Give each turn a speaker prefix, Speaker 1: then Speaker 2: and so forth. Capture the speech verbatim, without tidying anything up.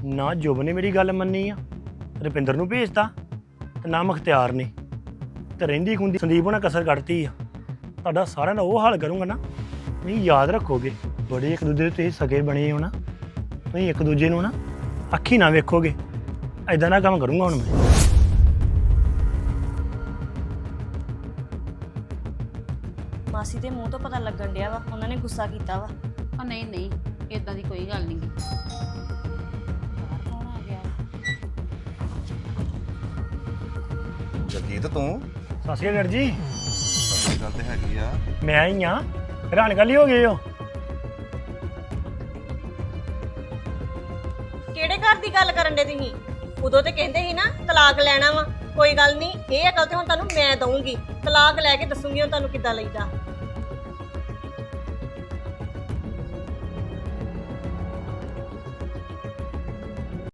Speaker 1: ਨਾ ਜੁਬ ਨੇ ਮੇਰੀ ਗੱਲ ਮੰਨੀ ਆ, ਰੁਪਿੰਦਰ ਨੂੰ ਭੇਜਤਾ ਤੇ ਨਾ ਮੁਖਤਿਆਰ ਨੇ। ਤੇ ਰਹਿੰਦੀ ਖੁੰਦੀ ਸੰਦੀਪ ਹੋਣਾ ਕਸਰ ਕੱਢਤੀ ਆ। ਤੁਹਾਡਾ ਸਾਰਿਆਂ ਦਾ ਉਹ ਹਾਲ ਕਰੂੰਗਾ ਨਾ, ਤੁਸੀਂ ਯਾਦ ਰੱਖੋਗੇ। ਬੜੇ ਇੱਕ ਦੂਜੇ ਦੇ ਤੁਸੀਂ ਸਗੇ ਬਣੇ ਹੋ ਨਾ, ਤੁਸੀਂ ਇੱਕ ਦੂਜੇ ਨੂੰ ਨਾ ਅੱਖੀ ਨਾ ਵੇਖੋਗੇ। ਐਦਾਂ ਦਾ ਕੰਮ ਕਰੂੰਗਾ ਹੁਣ ਮੈਂ।
Speaker 2: ਮਾਸੀ ਦੇ ਮੂੰਹ ਤੋਂ ਪਤਾ ਲੱਗਣ ਡਿਆ ਵਾ ਉਹਨਾਂ ਨੇ ਗੁੱਸਾ ਕੀਤਾ ਵਾ।
Speaker 3: ਉਹ ਨਹੀਂ ਨਹੀਂ ਇਦਾਂ ਦੀ ਕੋਈ ਗੱਲ ਨਹੀਂ ਗੀ। ਕੌਣ ਆ ਗਿਆ?
Speaker 4: ਜਗਜੀਤ ਤੂੰ
Speaker 1: ਸਤਿ ਸ਼੍ਰੀ ਅਕਾਲ ਜੀ।
Speaker 4: ਸਹੀ ਗੱਲ ਤੇ ਹੈਗੀ ਆ।
Speaker 1: ਮੈਂ ਹੀ ਆ, ਹੈਰਾਨ ਗੱਲ ਹੀ ਹੋ ਗਏ ਹੋ।
Speaker 2: ਕਿਹੜੇ ਘਰ ਦੀ ਗੱਲ ਕਰਨ ਦੇ ਤੁਸੀਂ? ਉਦੋਂ ਤੇ ਕਹਿੰਦੇ ਸੀ ਨਾ ਤਲਾਕ ਲੈਣਾ ਵਾ। ਕੋਈ ਗੱਲ ਨਹੀਂ, ਇਹ ਅਕਲ ਤੇ ਹੁਣ ਤੁਹਾਨੂੰ ਮੈਂ ਦਊਂਗੀ। ਤਲਾਕ ਲੈ ਕੇ ਦੱਸੂਗੀ ਹੁਣ ਤੁਹਾਨੂੰ ਕਿੱਦਾਂ ਲਈਦਾ।